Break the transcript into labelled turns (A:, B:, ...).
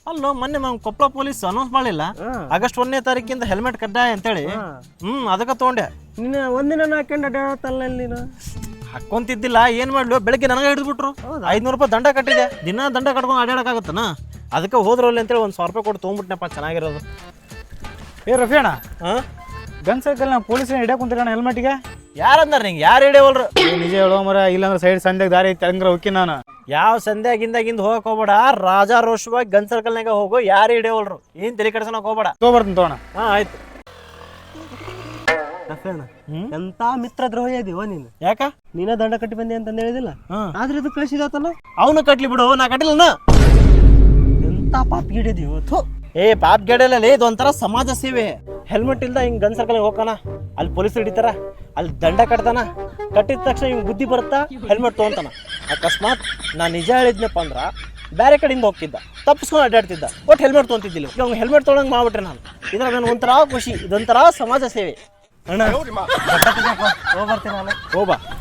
A: ಅಲ್ಲೋ ಮೊನ್ನೆ Koppal police announce ಮಾಡಿಲ್ಲ ಆಗಸ್ಟ್ 1ನೇ ತಾರೀಕಿಂದ ಹೆಲ್ಮೆಟ್ ಕಡ್ಡಾಯ ಅಂತೇಳಿ. ಅದಕ್ಕೆ ತಗೊಂಡೆ.
B: ನೀನು ಒಂದಿನ ಹಾಕೊಂಡು ಅಡ್ಡಾಡತ್ತಲ್ಲ ನೀನು.
A: ಹಾಕೊಂತಿದ್ದಿಲ್ಲ, ಏನ್ ಮಾಡ್ಲು, ಬೆಳಗ್ಗೆ ನನಗೆ ಹಿಡಿದ್ಬಿಟ್ರು. 500 ರೂಪಾಯಿ ದಂಡ ಕಟ್ಟಿದೆ. ದಿನ ದಂಡ ಕಟ್ಕೊಂಡು ಅಡ್ಡಾಡಕ್ಕಾಗತ್ತನ? ಅದಕ್ಕೆ ಹೋದ್ರಲ್ಲಿ ಅಂತೇಳಿ ಒಂದು 1000 ರೂಪಾಯಿ ಕೊಟ್ಟು ತೊಗೊಂಡ್ಬಿಟ್ನಪ್ಪ, ಚೆನ್ನಾಗಿರೋದು.
C: ಏ ರಫಿ ಅಣ್ಣ, ಗನ್ ಸರ್ಕಲ್ ನಾ ಪೊಲೀಸರ ಹಿಡಿಯಕ್ಕೆ ಕುಂತಿರೋಣ ಹೆಲ್ಮೆಟ್ಗೆ.
A: ಯಾರಂದಾರ ನಿಂಗೆ? ಯಾರು ಹಿಡಿಯವಲ್ರು?
C: ನಿಜ ಹೇಳೋ ಮರ, ಇಲ್ಲಾಂದ್ರೆ ಸೈಡ್ ಸಂಧ್ಯಾಗ ದಾರಿ ಐತೆ ಹಂಗ್ರ ಹೋಗಿ ನಾನು.
A: ಯಾವ ಸಂಧ್ಯಾಗಿಂದಾಗಿಂದ ಹೋಗಕ್ ಹೋಗ್ಬೇಡ, ರಾಜಾರೋಷವಾಗಿ ಗನ್ ಸರ್ಕಲ್ನಾಗ ಹೋಗು, ಯಾರು ಹಿಡಿಯವಲ್ರು. ಏನ್ ತಲೆ ಕೆಡ್ಸೋಕ್ ಹೋಗ್ಬೇಡ.
C: ತೊಗೊಬರ್ತೀನಿ ತಗೋಣ.
A: ಆಯ್ತು.
B: ಎಂತ ಮಿತ್ರ ದ್ರೋಹಿ ಇದೀವ ನೀನು.
A: ಯಾಕ?
B: ನೀನ ದಂಡ ಕಟ್ಟಿ ಬಂದೆ ಅಂತ ಹೇಳಿದಿಲ್ಲ, ಆದ್ರೆ ಇದು ಕಳಿಸಿದತ್ತಲ್ಲ.
A: ಅವನು ಕಟ್ಲಿ ಬಿಡು, ನಾ ಕಟ್ಟಿಲ್ಲ.
B: ಎಂತ ಪಾಪ್ ಗಿಡಿದೀವ.
A: ಪಾಪ್ ಗೆಡಲಲ್ಲಿ ಇದೊಂಥರ ಸಮಾಜ ಸೇವೆ. ಹೆಲ್ಮೆಟ್ ಇಲ್ದ ಹಿಂಗ್ ಗನ್ ಸರ್ಕಲ್ ಹೋಗ್ತಾನ, ಅಲ್ಲಿ ಪೊಲೀಸರು ಹಿಡಿತಾರ, ಅಲ್ಲಿ ದಂಡ ಕಟ್ತಾನ. ಕಟ್ಟಿದ ತಕ್ಷಣ ಹಿಂಗ್ ಬುದ್ಧಿ ಬರುತ್ತಾ, ಹೆಲ್ಮೆಟ್ ತೊಗೊಂತಾನ. ಅಕಸ್ಮಾತ್ ನಾ ನಿಜ ಹೇಳಿದ್ನಪ್ಪ ಅಂದ್ರ ಬೇರೆ ಕಡೆಯಿಂದ ಹೋಗ್ತಿದ್ದ, ತಪ್ಪಿಸ್ಕೊಂಡು ಅಡ್ಡಾಡ್ತಿದ್ದ, ಒಟ್ಟು ಹೆಲ್ಮೆಟ್ ತೊಗೊಂತಿದ್ದಿಲ್ಲ. ಈಗ ಅವ್ನು ಹೆಲ್ಮೆಟ್ ತೊಗೊಳಂಗೆ ಮಾಡ್ಬಿಟ್ರೆ ನಾನು. ಇದ್ರಾಗ ನನಗೆ ಒಂಥರ ಖುಷಿ, ಇದೊಂಥರ ಸಮಾಜ ಸೇವೆ.
B: ಅಣ್ಣ ಹೋಗ್ಬರ್ತೀನಿ ನಾನು.
A: ಹೋಗ್ಬಾ.